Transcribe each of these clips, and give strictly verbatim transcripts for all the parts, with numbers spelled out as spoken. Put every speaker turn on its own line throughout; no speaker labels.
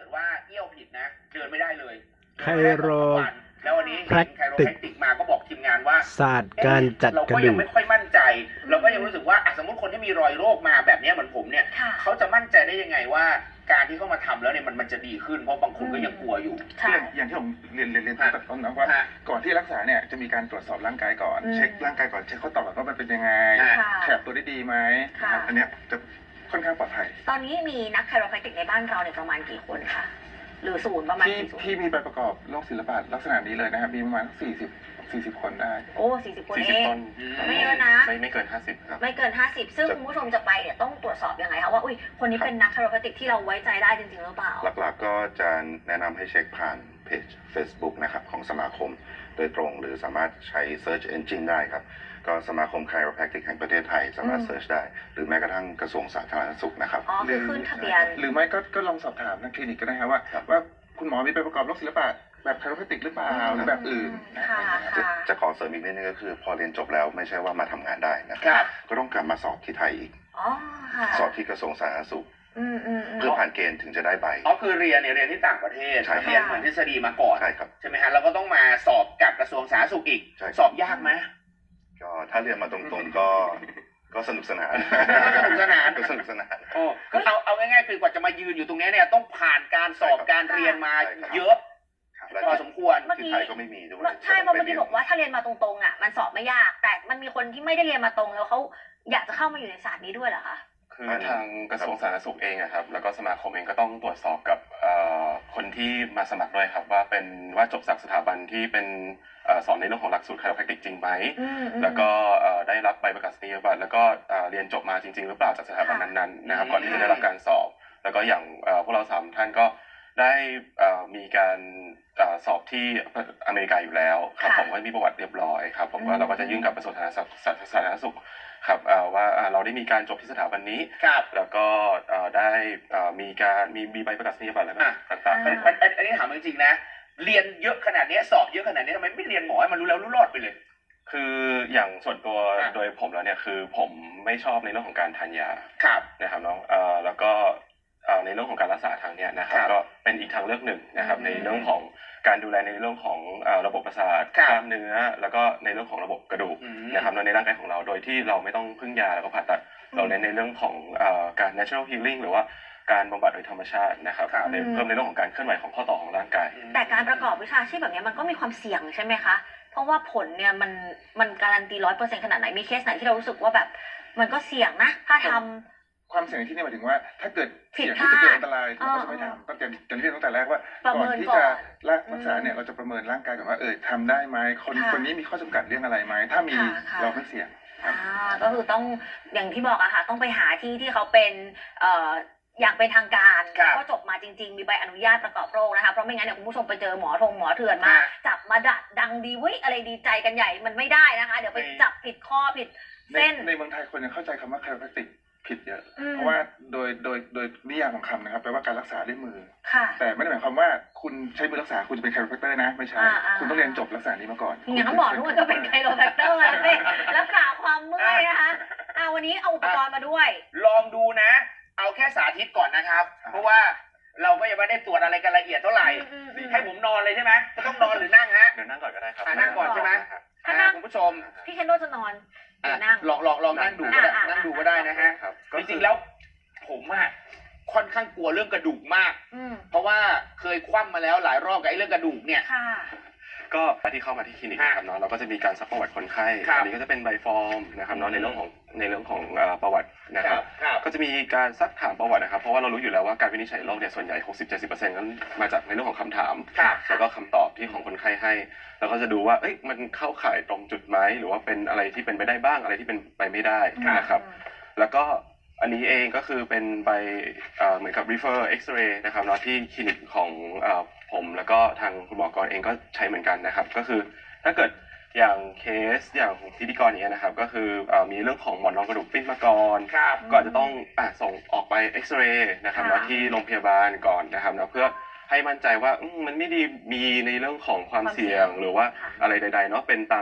ว่าเอี้ยวผิดนะเดินไม่ได้เลย
ไคโร
แล้ววันนี้เห็นไคโรแพคติกมาก็บอกทีมงานว่า
ศาสตร์การจัดกระดูก
เราก็ยังไม่ค่อยมั่นใจเราก็ยังรู้สึกว่าสมมติคนที่มีรอยโรคมาแบบนี้เหมือนผมเนี่ยเขาจะมั่นใจได้ยังไงว่าการที่เขามาทำแล้วเนี่ยมันมันจะดีขึ้นเพราะบางคนก็ยังกลัวอยู่
อย่างที่ผมเรียนเรียนเรียนตั้งแต่ต้นนะว่าก่อนที่รักษาเนี่ยจะมีการตรวจสอบร่างกายก่อนเช็คร่างกายก่อนเช็คข้อต่อว่ามันเป็นยังไงแขบตัวได้ดีไหมอันเนี้ยจะค่อนข้างปลอดภัย
ตอนนี้มีนักไคโรแพคติกในบ้านเราเนี่ยประมาณกี่คนคะหรือศูนย์ประมาณ
ที่ที่มีใบประกอบโรคศิลปะลักษณะนี้เลยนะครับมีประมาณสี่สิบสี่สิบคนได้
โอ้สี่สิบคนเองไม่เยอะนะ
ไม่ไม่เกินห้าสิบครับ
ไม่เกินห้าสิบซึ่งคุณผู้ชมจะไปเนี่ยต้องตรวจสอบยังไงคะว่าอุ้ยคนนี้เป็นนักไคโรแพคติกที่เราไว้ใจได้จริงๆหรือเปล่า
หลักๆก็จะแนะนำให้เช็คผ่านเพจ Facebook นะครับของสมาคมโดยตรงหรือสามารถใช้ Search Engine ได้ครับก็สมาคมไคโรแพคติกแห่งประเทศไทยสามารถเซิร์ชได้หรือแม้กระทั่งกระทรวงสาธารณสุขนะครับ
อ๋อคือขึ้นทะเบียน
หรือไม่ก็ก็ลองสอบถามทางคลินิกก็ได้ครับว่าว่าคุณหมอมีใบประกอบโรคศิลปะแบบไคโรแพคติกหรือเปล่าหรือแบบอื่น
จะจะขอเสริมอีกนิดนึงก็คือพอเรียนจบแล้วไม่ใช่ว่ามาทำงานได้นะครับก็ต้องกลับมาสอบที่ไทยอีกสอบที่กระทรวงสาธารณสุขเพื่อผ่านเกณฑ์ถึงจะได้ใบ
อ๋อคือเรียนเนี่ยเรียนที่ต่างประเทศเรียนเหมือนทฤษฎีมาก่อน
ใช่ครับ
ใช่ไหมฮะแล้วก็ต้องมาสอบกับกระทรวงสาธารณสุขอีกสอบยากไหม
ก็ถ้าเรียนมาตรงๆก็ก็สนุกสนาน
สนุกสนาน
ก็สนุกสนาน
โอ้ก็เอาเอาง่ายๆคือกว่าจะมายืนอยู่ตรงนี้เนี่ยต้องผ่านการสอบการเรียนมาเยอะพอสมควร
ที่ไทยก็ไม่มีด้วย
ใช่เพราะเมื่อกี้บอกว่าถ้าเรียนมาตรงๆอ่ะมันสอบไม่ยากแต่มันมีคนที่ไม่ได้เรียนมาตรงแล้วเขาอยากจะเข้ามาอยู่ในศาสตร์นี้ด้วยเหรอคะ
คือทางกระทรวงสาธารณสุขเองครับแล้วก็สมาคมเองก็ต้องตรวจสอบกับคนที่มาสมัครด้วยครับว่าเป็นว่าจบจากสถาบันที่เป็นสอนในเรื่องของหลักสูตรไคโรแพคติกจริงไหมแล้วก็ได้รับใบประกาศนียบัตรแล้วก็เรียนจบมาจริงๆหรือเปล่าจากสถาบันนั้นๆนะครับก่อนที่จะได้รับการสอบแล้วก็อย่างพวกเราสามท่านก็ได้มีการสอบที่อเมริกาอยู่แล้วครับผมก็มีประวัติเรียบร้อยครับผมว่าเราก็จะยื่นกับกระทรวงสาธารณสุขครับว่าเราได้มีการจบที่สถาบันนี้แล้วก็ได้มีการมีมีใบประกาศนียบัตรแล้วก็ต่างๆ
อันนี้ถามจริงๆนะเรียนเยอะขนาดนี้สอบเยอะขนาดนี้ทำไมไม่เรียนหมอให้มันรู้แล้วรู้รอดไปเลย
คืออย่างส่วนตัวโดยผมแล้วเนี่ยคือผมไม่ชอบในเรื่องของการทานยานะครับน้องแล้วก็ในเรื่องของการรักษาทางเนี้ยนะครับก็เป็นอีกทางเลือกหนึ่งนะครับในเรื่องของการดูแลในเรื่องของระบบประสาทกล้ามเนื้อแล้วก็ในเรื่องของระบบกระดูกนะครับในร่างกายของเราโดยที่เราไม่ต้องพึ่งยาแล้วก็ผ่าตัดเราเน้นในเรื่องของการ natural healing หรือว่าการบำบัดโดยธรรมชาตินะครับเพิ่มในเรื่องของการเคลื่อนไหวของข้อต่อของร่างกาย
แต่การประกอบวิชาชีพแบบนี้มันก็มีความเสี่ยงใช่ไหมคะเพราะว่าผลเนี่ยมันมันการันตีร้อยเปอร์เซ็นต์ขนาดไหนมีเคสไหนที่เรารู้สึกว่าแบบมันก็เสี่ยงนะถ้าทำ
ความเสี่ยงที่นี่หมายถึงว่าถ้าเกิดเสี่ยงที่จะเกิดอันตรายเราก็จะไม่ทำตั้งแต่จะเรียนตั้งแต่แรกว่าก่อนที่จะรักษาเนี่ยเราจะประเมินร่างกายก่อนว่าเออทำได้ไหมคนคนนี้มีข้อจำกัดเรื่องอะไรไหมถ้ามีเราไม่เสี่ยง
อ่าก็คือต้องอย่างที่บอกอะค่ะต้องไปหาที่ที่เขาเป็นเอ่ออย่างเป็นทางการก็จบมาจริงๆมีใบอนุญาตประกอบโรคนะคะเพราะไม่งั้นเนี่ยคุณผู้ชมไปเจอหมอทงหมอเถื่อนมาจับมาดัดดังดีวิอะไรดีใจกันใหญ่มันไม่ได้นะคะเดี๋ยวไปจับผิดข้อผิดเส้น
ในเมืองไทยคนยังเข้าใจคำว่าไคโรแพคติกผิดเยอะเพราะว่าโดยโดยโดยนิยามของคำนะครับแปลว่าการรักษาด้วยมือแต่ไม่ได้หมายความว่าคุณใช้มือรักษาคุณจะเป็นไคโรแพคเตอร์นะไม่ใช่คุณต้องเรียนจบรักษานี้มาก่อน
อย่างนั้นหมอทุกคนก็เป็นไคโรแพคเตอร์แล้วสิรักษาความเมื่อยนะคะอ่าวันนี้เอาอุปกรณ์มาด้วย
ลองดูนะเอาแค่สาธิตก่อนนะครับเพราะว่าเราก็ยังไม่ได้ตรวจอะไรกันละเอียดเท่าไหร่ให้ผมนอนเลยใช่ไหมจะต้องนอนหรือนั่งฮะ
เดี๋ยวนั่งก่อนก็ได้ครับ
นั่งก่อนใช่ไหม
ถ้านั่ง
คุณผู้ชม
พี่เคนโดจะนอนเดี๋ยวนั่ง
ลองลองลองนั่งดูก็ได้นั่งดูก็ได้นะฮะจริงๆแล้วผมอะค่อนข้างกลัวเรื่องกระดูกมากเพราะว่าเคยคว่ำมาแล้วหลายรอบกับไอ้เรื่องกระดูกเนี่ย
ก็ที่เข้ามาที่คลินิกนะครับเนาะเราก็จะมีการซักประวัติคนไข้อันนี้ก็จะเป็นใบฟอร์มนะครับเนาะในเรื่องของในเรื่องของประวัตินะครับก็จะมีการซักถามประวัตินะครับเพราะว่าเรารู้อยู่แล้วว่าการวินิจฉัยโรคเนี่ยส่วนใหญ่ หกสิบถึงเจ็ดสิบเปอร์เซ็นต์ นั้นมาจากในเรื่องของคำถามแล้วก็คำตอบที่ของคนไข้ให้แล้วก็จะดูว่าเอ้ยมันเข้าข่ายตรงจุดไหมหรือว่าเป็นอะไรที่เป็นไปได้บ้างอะไรที่เป็นไปไม่ได้นะครับแล้วก็อันนี้เองก็คือเป็นใบเหมือนกับ refer x-ray นะครับเนาะที่คลินิกของผมแล้วก็ทางคุณหมอกรเองก็ใช้เหมือนกันนะครับก็คือถ้าเกิดอย่างเคสอย่างพิธีกรอย่างเงี้ยนะครับก็คือมีเรื่องของหมอนรองกระดูกปิ้นมาก่อนก็อาจจะต้องส่งออกไปเอ็กซเรย์นะครับเนาะที่โรงพยาบาลก่อนนะครับเนาะเพื่อให้มั่นใจว่ามันไม่ได้มีในเรื่องของความเสี่ยงหรือว่าอะไรใดๆเนาะเป็นตามที่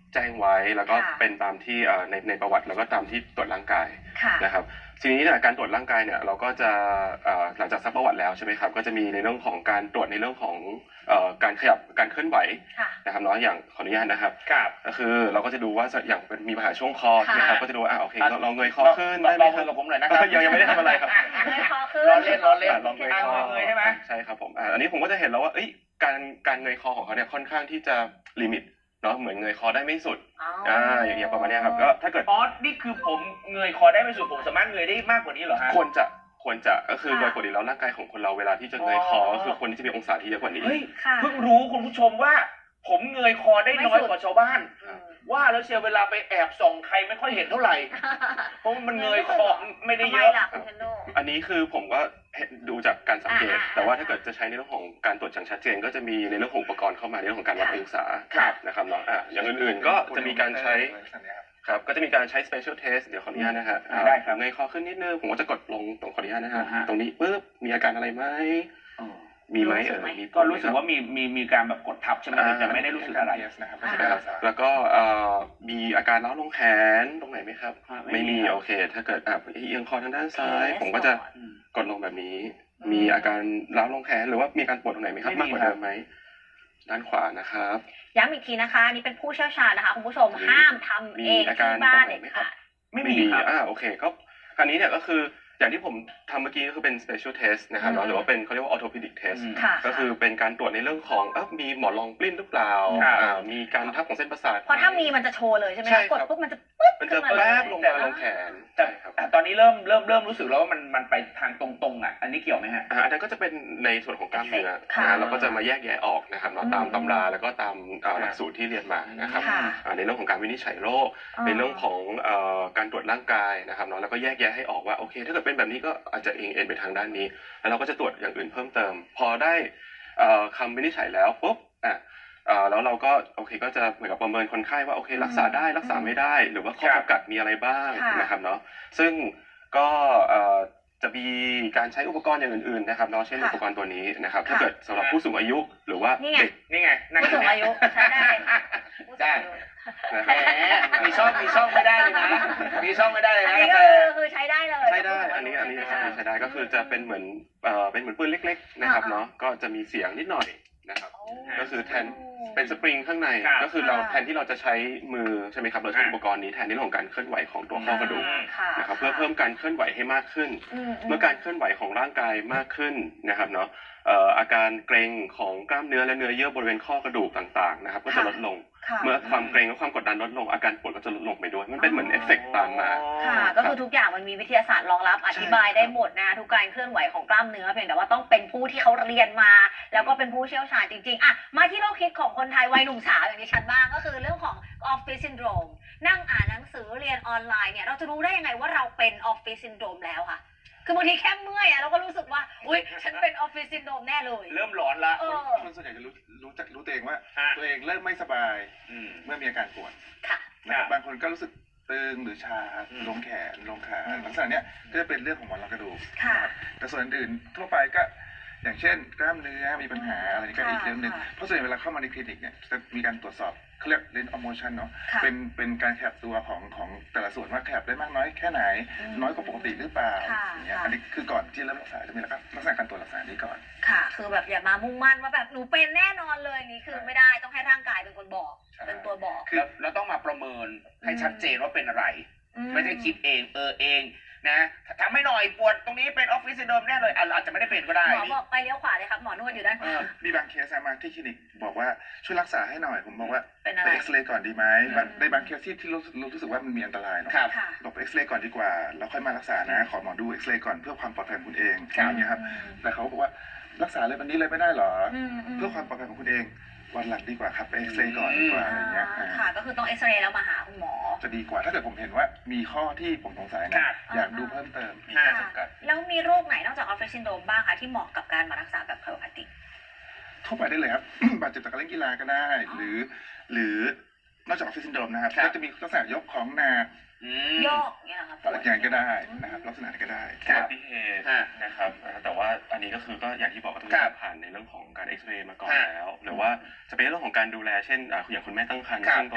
แจ้งไว้แล้วก็
ค่ะ
เป็นตามที่เอ่อในในประวัติแล้วก็ตามที่ตรวจร่างกาย
ค่ะ
นะครับทีนี้เนี่ยการตรวจร่างกายเนี่ยเราก็จะเอ่อหลังจากซักประวัติแล้วใช่ไหมครับก็จะมีในเรื่องของการตรวจในเรื่องของเอ่อการขยับการเคลื่อนไหว
ค่ะ
นะครับเนาะอย่างขออนุญาตนะครับ
ครับ
ก็คือเราก็จะดูว่าอย่างเป็นมีปัญหาช่วงคอ
ค่ะ
นะครับก็จะดูว่าอ่าโอเคเราเราเงยคอขึ้น
ล
ได้
อง
ไหม
ลอง
ค
มื
รั
อบ กับผมหน่อยนะครับ
ยังยังไม่ได้ทำอะไรครับ
เงยคอขึ้น
ล้อเล่นล้อเล่น
ลองเงยคอ
เงยใช่ไหม
ใช่ครับผมอ่าอันนี้ผมก็จะเห็นแล้วว่าเอ้ยการการเงยคอของเขาเนี่ยค่อนข้างที่จะลิมิตเนาะเหมือนเงยคอได้ไม่สุด
อ๋อ
อ่าอย่างเงี้ยประมาณเนี้ยครับก็ถ้าเกิด
อ๋อนี่คือผมเงยคอได้ไม่สุดผมสามารถเงยได้มากกว่านี้เหรอฮะ
ควรจะควรจะก็คือ
ค่ะ
โดยปกติแล้วร่างกายของคนเราเวลาที่จะเงยคอ
อ๋อ
ก็คือควรที่จะมีองศาที่เยอะกว่านี้
เฮ้ย
ค่ะ
เพิ่งรู้คุณผู้ชมว่า ผมเงยคอได้น้อยกว่าชาวบ้าน
อืม
ว่าแล้วเชียวเวลาไปแอบส่องใครไม่ค่อยเห็นเท่าไหร่ เพราะมันเงยคอไม่ได้
ทำ
เย
ไม
อะ
ล่ะคุณเทนโด
อันนี้คือผมก็เห็นดูจากการสังเกต
อ่าอ่า
แต่ว่าถ้าเกิดจะใช้ในเรื่องของการตรวจอย่างชัดเจน ก็จะมีในเรื่องของอุปกรณ์เข้ามาในเรื่องของการวัดองศา
ครับ
นะครับเนาะอ่ะอย่างอื่นๆก็จะมีการใช้ครับก็จะมีการใช้ special test เดี๋ยวขออนุญาตนะฮะอ่า
ได้ครับ
เงยคอขึ้นนิดนึงผมก็จะกดลงตรงขออนุญาตนะฮะ
อ่าฮะ
ตรงนี้ปุ๊บมีอาการอะไรไหมมีไหม
รู้สึ
เอก อ
ไหม
มี
ก็รู้สึกว่ามีมีมีการแบบกดทับใช่ไหมแต่ไม่ได้รู้สึกอะไร
นะครับ
อ่า
นะครับแล้วก็เอ่อมีอาการล้าวลงแขนตรงไหนไหมครับ
อ่าไม่
ไม่
มี
มี
ครับ
โอเค ถ้าเกิดอ่ะเอียงคอทางด้านซ้าย
Test
ผมก็จะ
ก่อน
กดลงแบบนี้
อืม
มีอาการล้าวลงแขนหรือว่ามีการปวดตรงไหนไหมครับ
ไม่
มาก
มี
กว่า
ครั
เดิ
บ
มไหมด้านขวานะครับ
ย้ำอีกทีนะคะอันนี่เป็นผู้เชี่ยวชาญนะคะคุณผู้ชม
มี
ห้ามทำ
มี
เอง
อาการ
ที่บ้าน
ตรงไหน
เด็ด
ไหมครับ
ขาด
ไม่มีครับ
อ่าโอเคก็คราวนี้เนี่ยก็คืออย่างที่ผมทำเมื่อกี้ก็คือเป็น special test นะครับ
อืม
หรือว่าเป็นเขาเรียกว่า orthopedic test
อืม
ค่ะ
ก็คือเป็นการตรวจในเรื่องของเอ้ามีหมอนรองปลิ้นหรือเปล่า
ครับ
อ่ามีการทับของเส้นประสาท
เพราะถ้ามีมันจะโชว์เลยใช่ไหม
ใช่
คะ
ครับ
กดปุ๊บมันจะปึ๊บ
มัน
ขึ้
จะ
นมาเล
แป๊
ย
บลงมาลงแขน
แต่
ใช่ครับ
แต่ตอนนี้เริ่มเริ่มเริ่มรู้สึกแล้วว่ามันมันไปทางตรงๆอ่ะ อันนี้เกี่ยวไหมฮะ
อ่าอันนั้นก็จะเป็นในส่วนของกล้ามเนื้อ
ค่ะ
นะเราก็จะมาแยกแยะออกนะครับเนาะ
อืม
ตามตำราแล้วก็ตามอ่า
ค่ะ
หลักสูตรที่เรียนมานะครับ
ค่ะ
อ่าในเรื่องของการวินิจฉัยโรค
อ๋อ
ในเรื่องของเอ่อการตรวจร่างกายนะครับเนาะแล้วก็แยกแยะให้ออกว่าโอเค ถ้าเกิดเป็นแบบนี้ก็อาจจะเองเอ็นไปทางด้านนี้ แล้วเราก็จะตรวจอย่างอื่นเพิ่มเติม พอได้เอ่อคำวินิจฉัยแล้วปุ๊บอ่ะเอ่อแล้วเราก็โอเคก็จะเหมือนกับประเมินคนไข้ว่าโอเครักษาได้รักษาไม่ได้ หรือว่าข้อ
ครับ
จำกัดมีอะไรบ้าง
ค่ะ
นะครับเนาะซึ่งก็เอ่อจะมีการใช้อุปกรณ์อย่างอื่นๆนะครับเนาะเช่น
ค่ะ
อุปกรณ์ตัวนี้นะครับ
ค่ะ
ถ้าเกิดสำหรับผู้สูงอายุหรือว่า
นี่ไง
เด็ก
นี่ไงนั่ง
ผู้สูงอายุใช้ได้เลยค่ะผู้สูงอายุ
นะค
แห
รับ
มมีช่องมีช่องไม่ได้เลยนะ มีช่องไม่ได้เลย
อัน
นะ
นี้
กา
ก็
แฟ
คือคือใช้ได้เลย
ใช้ได้อันนี้อันนี้
ใช่ไหม
ใช้ได้ก็คือจะเป็นเหมือนเอ่อเป็นเหมือนปืนเล็กๆนะครับ
อ่า
เนาะก็จะมีเสียงนิดหน่อยนะครับ
โอ้
ก็คือแทน เป็นสปริงข้างใน
ครับ
ก็คือเรา
ค่ะ
แทนที่เราจะใช้มือใช่ไหมครับเราใช้
อ่า
อุปกรณ์นี้แทนในเรื่องของการเคลื่อนไหวของตัวข้อกระดูก
ค่ะ
นะครับเพื่อเพิ่มการเคลื่อนไหวให้มากขึ้น
ม
เมื่อการเคลื่อนไหวของร่างกายมากขึ้นนะครับเนาะเอ่ออาการเกร็งของกล้ามเนื้อและเนื้อเยื่อบริเวณข้อกระดูกต่างๆนะครับก็จะลดลง
ค่ะ
เมื่อความเกร็งและความกดดันลดลงอาการปวดก็จะลดลงไปด้วยมันเป็นเหมือนเอฟเฟกต์ตามมา
ค่ะ ก็คือทุกอย่างมันมีวิทยาศาสตร์รองรับอธิบายได้หมดนะทุกการเคลื่อนไหวของกล้ามเนื้อเพียงแต่ว่าต้องเป็นผู้ที่เขาเรียนมา แล้วก็เป็นผู้เชี่ยวชาญจริงๆอ่ะมาที่โรคฮิตของคนไทยวัยหนุ่มสาวอย่างดิฉันบ้างก็คือเรื่องของออฟฟิศซินโดรมนั่งอ่านหนังสือเรียนออนไลน์เนี่ยเราจะรู้ได้ยังไงว่าเราเป็นออฟฟิศซินโดรมแล้วค่ะคือบางทีแค่เมื่อยอะเราก็รู้สึกว่าอุ้ยฉันเป็นออฟฟิศซินโดรมแน่เลย
เริ่มหลอนละ
เออ
คนส่วนใหญ่จะรู้รู้จักรู้ตัวเองว่า
ฮะ
ตัวเองเริ่มไม่สบาย
อืม
เมื่อมีอาการปวด
ค่ะ
นะครับ
ครับ
บางคนก็รู้สึกตึงหรือชา
อืม
ลงแขนลงขา
อืม
ลักษณะเนี้ยก็จะเป็นเรื่องของหมอนรองกระดูก
ค่ะ
นะครับแต่ส่วนอื่นๆทั่วไปก็อย่างเช่นกล้ามเนื้อมีปัญหาอะไรนี่ก็อีกเรื่องหนึ่ง
ค่ะ
เพราะส่วนใหญ่เวลาเข้ามาในคลินิกเนี่ยจะมีการตรวจสอบเขาเรียกเรนออโมชันเนาะ
ค่ะ
เป็นเป็นการขยับตัวของของแต่ละส่วนว่าขยับได้มากน้อยแค่ไหน
อืม
น้อยกว่าปกติหรือเปล่า
ค่ะ
อย่างเงี้ย
ค่ะ
อันนี้คือก่อนที่เริ่มรักษาจะมีลักษณะการตรวจรักษานี้ก่อน
ค่ะ คือแบบอย่ามามุ่งมั่นว่าแบบหนูเป็นแน่นอนเลยนี่คือไม่ได้ต้องให้ร่างกายเป็นคนบอก
ใช่
เป็นตัวบอก
แล้วแล้วต้องมาประเมินให้ชัดเจนว่าเป็นอะไร
อื
ไม่ใช่คิดเองเออเองนะทำให้หน่อยปวดตรงนี้เป็นออฟฟิศซินโดรมแน่เลยอ่ะอาจจะไม่ได้เป็นก็ได้
หมอบอกไปเลี้ยวขวาเลยครับหมอนวดอยู่ด้านข
เอ
วา
อ
มีบางเคสนะมาที่คลินิกบอกว่าช่วยรักษาให้หน่อยผมบอกว่า
เป็นอะ
ไป
ไร
เอ็กซเรย์ก่อนดีไหม
อืม
บางในบางเคสที่ที่รู้รู้สึกว่ามันมีอันตรายเนาะ
ครับ
ค่ะ
บอกไปเอ็กซเรย์ก่อนดีกว่าแล้วค่อยมารักษานะ ขอหมอดูเอ็กซเรย์ก่อนเพื่อความปลอดภัยของคุณเอง
ครับ
อย่างเงี้ยครับแต่เขาบอกว่ารักษาเลยวันนี้เลยไม่ได้หรอ
อืมอืม
เพื่อความปลอดภัยของคุณเองวันหลังดีกว่าครับไปเอ็กซเรย์ก่อนดีกว่าอะไรเงี้ย
อ่า
อ่า
ค่ะ ก็คือต้องเอ็กซเรย์แล้วมาหาคุณหมอ
จะดีกว่าถ้าเกิดผมเห็นว่ามีข้อที่ผมสงสัย
ครั
นะ
บ
อยากดูเพิ่มเติมมี
อ่า
ข้อจำกัด
แล้วมีโรคไหนนอกจากออฟฟิศซินโดรมบ้างคะที่เหมาะกับการมารักษาแบบไคโรแพคติก
ทั่วไปได้เลยครับ บาดเจ็บจากการเล่นกีฬาก็ได้
อ๋อ
หรือ หรือนอกจากออฟฟิศซินโดรมนะครับ
ครับ
ก็จะมีลักษณะยกของหนัก
อืม
โยกเนี่ยนะคะปวด
อย่างก็ได้นะครับลักษณะนี้ก็ได้
ครั
อุ
บ
บัติเหตุ
ฮะ
นะครับอ่าแต่ว่าอันนี้ก็คือก็อย่างที่บอกก็ต้อง
ครับ
ผ่านในเรื่องของการเอ็กซเรย์มาก่อน
ฮะ
แล้ว หรือว่าจะเป็นเรื่องของการดูแลเช่นอ่าอย่างคุณแม่ตั้งครรภ์
ครับ
ซึ่งตรง
ครั
นี้
บ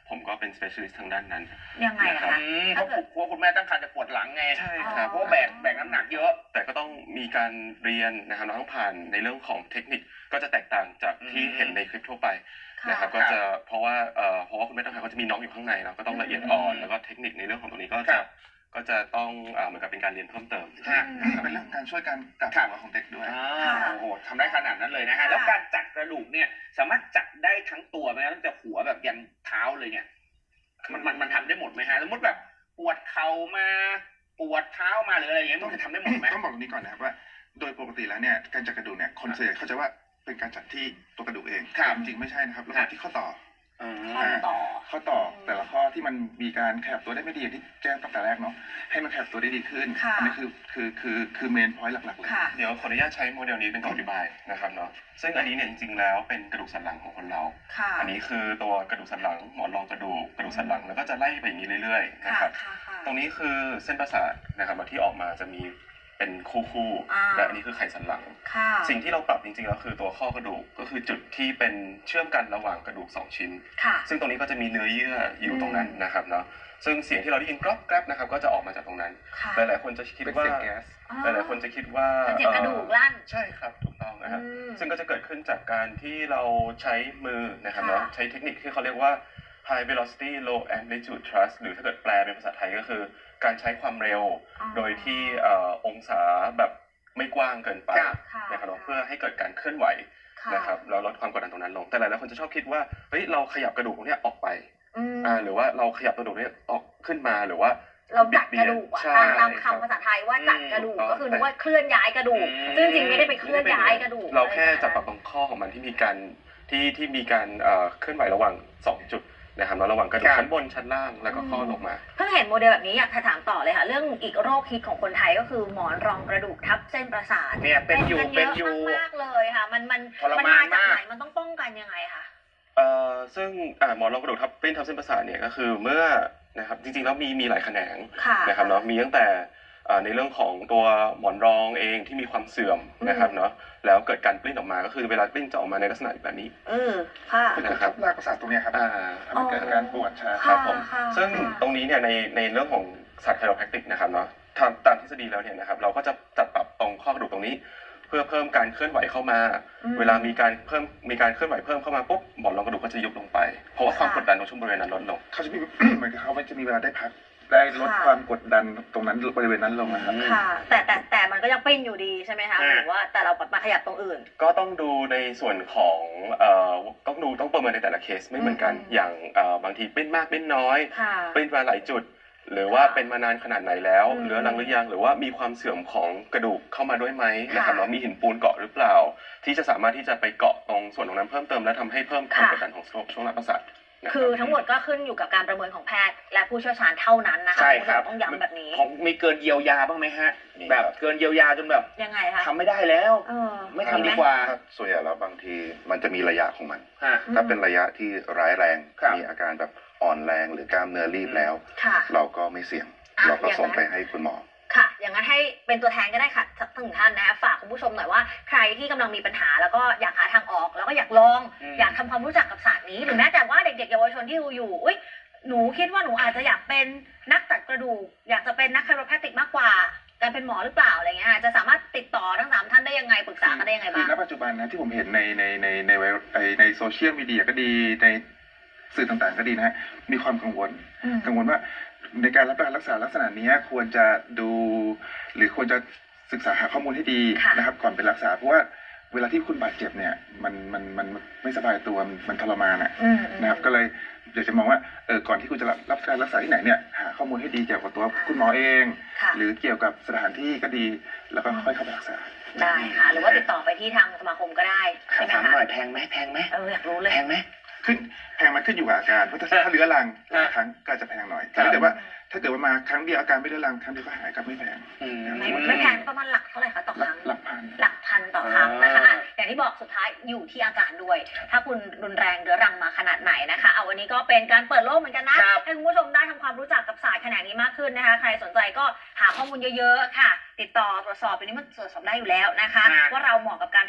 ผมก็เป็น specialist ทางด้านนั้น
ยังไงอะคะ
เพราะเพราะคุณแม่ตั้งครรภ์จะปวดหลังไง
ใช่ครับ
เพราะว่าแบกแบกน้ำหนักเยอะ
แต่ก็ต้องมีการเรียนนะครับเราต้องผ่านในเรื่องของเทคนิคก็จะแตกต่างจากที่เห็นในคลิปทั่วไปนะครับก็จะเพราะว่าเอ่อเพราะว่าคุณแม่ตั้งครรภ์เขาจะมีน้องอยู่ข้างในเนาะก็ต้องละเอียดอ่อนแล้วก็เทคนิคในเรื่องของตรงนี้ก็จะก็จะต้องอ่าเหมือนกับเป็นการเรียนเพิ่มเติม
เป็นเรื่องการช่วยการกลับตัวของเด็กด้วย
อ่าโอ้โหทำได้ขนาดนั้นเลยนะฮะแล้วการจัดกระดูกเนี่ยสามารถจัดได้ทั้งตัวไหมตั้งแต่หัวแบบยันเท้าเลยเนี่ยมันมันมันทำได้หมดไหมฮะสมมติแบบปวดเข่ามาปวดเท้ามาหรืออะไรอย่างเงี้ยมันจะทำได้หมดไหม
ต้องบอกตรงนี้ก่อนนะครับว่าโดยปกติแล้วเนี่ยการจัดกระดูกเนี่ยคนส่วนใหญ่เขาจะว่าเป็นการจัดที่ตัวกระดูกเองจริงๆไม่ใช่นะครับเราจัดที่ข้อต่อ
ข้อต่อ
ข้อต่อแต่ละข้อที่มันมีการขยับตัวได้ไม่ดีอย่างที่แจ้งตั้งแต่แรกเนาะให้มันขยับตัวได้ดีขึ้นอันนี้คือคือคือคือเมนพอยต์หลักๆเลย
เดี๋ยวขออนุญาตใช้โมเดลนี้เป็นตัวอธิบายนะครับเนาะซึ่งอันนี้เนี่ยจริงๆแล้วเป็นกระดูกสันหลังของคนเราอันนี้คือตัวกระดูกสันหลังหมอนรองกระดูกกระดูกสันหลังแล้วก็จะไล่ไปอย่างนี้เรื่อยๆนะครับตรงนี้คือเส้นประสาทนะครับที่ออกมาจะมีเป็นคู่ๆและอันนี้คือไขสันหลังสิ่งที่เราปรับจริงๆแล้วคือตัวข้อกระดูกก็คือจุดที่เป็นเชื่อมกันระหว่างกระดูกสองชิ้นซึ่งตรงนี้ก็จะมีเนื้อเยื่ออยู่ตรงนั้นนะครับเนาะซึ่งเสียงที่เราได้ยินกรอบแกรบนะครับก็จะออกมาจากตรงนั้นหลายๆคนจะคิดว่าหลายๆคนจะคิดว่า
เสียงกระดูกลั่น
ใช่ครับถูกต้องนะครับซึ่งก็จะเกิดขึ้นจากการที่เราใช้มือนะครับเนาะใช้เทคนิคที่เขาเรียกว่า high velocity low amplitude thrust หรือถ้าเกิดแปลเป็นภาษาไทยก็คือการใช้ความเร็วโดยที่องศาแบบไม่กว้างเกินไปนะครับเพื่อให้เกิดการเคลื่อนไหวนะครับแล้วลดความกดดันตรงนั้นลงแต่หลายๆคนจะชอบคิดว่าเฮ้ยเราขยับกระดูกตรงนี้ออกไปอ่าหรือว่าเราขยับกระดูกนี้ออกขึ้นมาหรือว่า
เราจัดกระดูกตามตามคำภาษาไทยว่าจัดกระดูกก็คือนึกว่าเคลื่อนย้ายกระดูกซึ่งจริงไม่ได้ไปเคลื่อนย้ายกระดูก
เราแค่จับปรับตรงข้อของมันที่มีการที่ที่มีการเคลื่อนไหวระหว่างสองจุดนะครับระหว่างกระดูกชั้นบนชั้นล่างแล้วก็ข้อลงมา
เพิ่งเห็นโมเดลแบบนี้อยากถามต่อเลยค่ะเรื่องอีกโรคฮิตของคนไทยก็คือหมอนรองกระดูกทับเส้นประสาท
เนี่ยเป็นอยู่เป็นอยู่
มากเลยค่ะมันมันมันมาจากไหนมันต้องป้องกันยังไงคะ
เอ่อซึ่งอ่าหมอนรองกระดูกทับเป็นทับเส้นประสาทเนี่ยก็คือเมื่อนะครับจริงๆแล้วมีมีหลายแขนงนะครับเนาะมีตั้งแต่ในเรื่องของตัวหมอนรองเองที่มีความเสื่อมนะครับเนาะแล้วเกิดการปลิ้นออกมาก็คือเวลาปลิ้นจะออกมาในลักษณะแบบนี้
เออค่ะ
นะครับรากประสาทตรงนี้ครับทำให้เกิดการปวดชา
ครับผมซึ่งตรงนี้เนี่ยในในเรื่องของศาสตร์ไคโรแพคติกนะครับเนาะตามตามทฤษฎีแล้วเนี่ยนะครับเราก็จะจัดปรับตรงข้อกระดูกตรงนี้เพื่อเพิ่มการเคลื่อนไหวเข้ามาเวลามีการเพิ่มมีการเคลื่อนไหวเพิ่มเข้ามาปุ๊บหมอนรองกระดูกก็จะยุบลงไปเพราะว่าความกดดันตรงช่วงบริเวณนั้นลดลง
เขาจะมีเหมือนกับเขาจะมีเวลาได้พักได้ลดความกดดันตรงนั้นบริเวณนั้นลงนะครับ
ค่ะแต่แต่แต่มันก็ยังปิ้นอยู่ดีใช่ไหมคะหรือว่าแต่เรามาขยับตรงอื่น
ก็ต้องดูในส่วนของเอ่อต้องดูต้องประเมินในแต่ละเคสไม่เหมือนกันอย่างเอ่อบางทีปิ้นมากปิ้นน้อยปิ้นมาหลายจุดหรือว่าเป็นมานานขนาดไหนแล้วเหลือรังหรือยังหรือว่ามีความเสื่อมของกระดูกเข้ามาด้วยไหมนะครับแล้วมีหินปูนเกาะหรือเปล่าที่จะสามารถที่จะไปเกาะตรงส่วนตรงนั้นเพิ่มเติมและทำให้เพิ่มความกดดันของช่วงหลังประสาท
คือทั้งหมดก็ขึ้นอยู่กับการประเมินของแพทย์และผู้เชี่ยวชาญเท่านั้นนะคะ
ใช่ครับ
ต้องย้ำแบบนี้
ของมีเกินเยียวยาบ้างไหมฮะแบบเกินเยียวยาจนแบบ
ยังไงคะ
ทำไม่ได้แล้วไม่ทำดีกว่า
ส่วนใหญ่แล้วบางทีมันจะมีระยะของมันถ้าเป็นระยะที่ร้ายแรงมีอาการแบบอ่อนแรงหรือกล้ามเนื้อรีบแล้วเราก็ไม่เสี่ยงเราก็ส่งไปให้คุณหมอ
ค่ะอย่างนั้นให้เป็นตัวแทนก็ได้ค่ะสักหนึ่งท่านนะคะฝากคุณผู้ชมหน่อยว่าใครที่กำลังมีปัญหาแล้วก็อยากหาทางออกแล้วก็อยากลองอยากทำความรู้จักกับศาสตร์นี้หรือแม้แต่ว่าเด็กๆเยาวชนที่ดูอยู่อุ้ยหนูคิดว่าหนูอาจจะอยากเป็นนักตัดกระดูกอยากจะเป็นนักไคโรแพคติกมากกว่าการเป็นหมอหรือเปล่าอะไรเงี้ยจะสามารถติดต่อทั้งสามท่านได้ยังไงปรึกษากันได้ยังไงบ้าง
คือณปัจจุบันนะที่ผมเห็นในในในในในโซเชียลมีเดียก็ดีในสื่อต่างๆก็ดีนะฮะมีความกังวลกังวลว่าในการรับการรักษาลักษณะนี้ควรจะดูหรือควรจะศึกษาหาข้อมูลให้ดีนะครับก่อนไปรักษาเพราะว่าเวลาที่คุณบาดเจ็บเนี่ยมันมันมันไม่สบายตัวมันทรมานอ่ะนะครับก็เลยอยากจะมองว่าเออก่อนที่คุณจะรับการรักษาที่ไหนเนี่ยหาข้อมูลให้ดีเกี่ยวกับตัวคุณหมอเองหรือเกี่ยวกับสถานที่ก็ดีแล้วก็ค่อยเข้าไปรักษา
ได้ค่ะหรือว่าติดต่อไปที่ทางสมาคมก็ได้ใช่ไหมคะ
ถามหน่อยแพงไหมแพงไหม
เอออยากรู้เลย
แพงไหม
ขึ้นแพงมันขึ้นอยู่กับอาการเพราะถ้าเรื้อรังครั้งก็จะแพงหน่อยแต่ถ้าเกิดว่าถ้าเกิดว่ามาครั้งเดียวอาการไม่เรื้อรังครั้งเดียวก็หายก็ไม่แพง
ไม่แพงประมาณหลักเท่าไหร่คะต่อครั้ง
หลักพัน
หลักพันต่อครั้งนะคะอย่างที่บอกสุดท้ายอยู่ที่อาการด้วยถ้าคุณรุนแรงเรื้อรังมาขนาดไหนนะคะเอาวันนี้ก็เป็นการเปิดโลกเหมือนกันนะให้คุณผู้ชมได้ทำความรู้จักกับศาสตร์แขนงนี้มากขึ้นนะคะใครสนใจก็หาข้อมูลเยอะๆค่ะติดต่อตรวจสอบไปนี้มันตรวจสอบได้อยู่แล้วนะคะว่าเราเหมาะกับการรักษาแบบ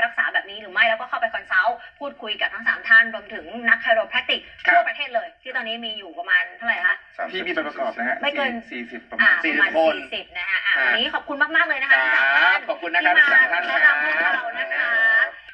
นี้หรือไม่แล้วก็เข้าไปคอนซัลท์พูดคุยกับทั้งสามท่านรวมถึงนักไคโรแพคติกทั่วประเทศเลยที่ตอนนี้มีอยู่ประมาณเท่าไหร่คะ
พี่มีใบประกอบนะฮะ
ไม่เกิน
สี่สิบประมาณ
สี่สิบนะฮะวันนี้ขอบคุณมากๆเลยนะคะทั้งสามท่าน
ขอบคุณนะครับทั้งสามท่าน
ที่มาแนะนำพวกเรานะคะ